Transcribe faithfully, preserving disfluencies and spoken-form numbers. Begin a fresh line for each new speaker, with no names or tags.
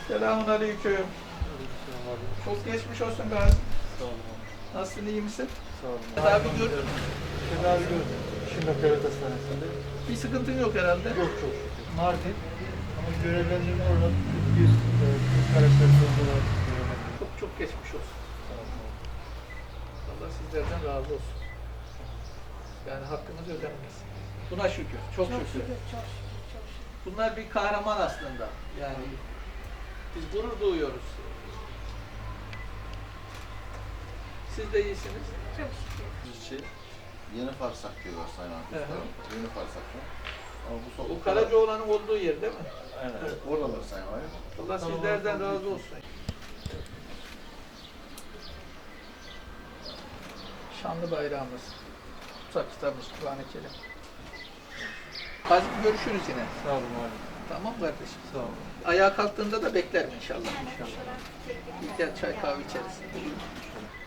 Selamun aleyküm. Çok geçmiş olsun Gazi.
Sağ olun.
Nasılsın, iyi misin?
Sağ olun.
Tedavi gör.
Tedavi gördüm. Şimdi devlet hastanesinde.
Bir sıkıntın yok herhalde.
Yok çok şükür. Mardin. Ama görevlendirme olarak bir e, bir karakter olarak görevlendirme.
Çok çok geçmiş olsun.
Sağ olun.
Allah sizlerden razı olsun. Yani hakkınız ödenmez. Buna şükür, çok,
Çok
şükür.
şükür, çok şükür, çok şükür.
Bunlar bir kahraman aslında. Yani biz gurur duyuyoruz. Siz de iyisiniz.
Çok şükür.
Şey, Yeni Farsak diyorlar Sayın Arkadaşlarım. Yeni Farsak'ta. Ama bu
Bu
sokakta...
Karacaoğlan'ın olduğu yer değil mi?
Aynen. Evet, oradalar Sayın Valim.
Allah sizlerden razı olsun. Şanlı bayrağımız, kutsal kitabımız, Kur'an-ı Kerim. Hadi görüşürüz yine.
Sağ olun abi.
Tamam kardeşim.
Sağ olun.
Ayağa kalktığında da beklerim inşallah.
Yani inşallah.
Gel çay kahve içeriz.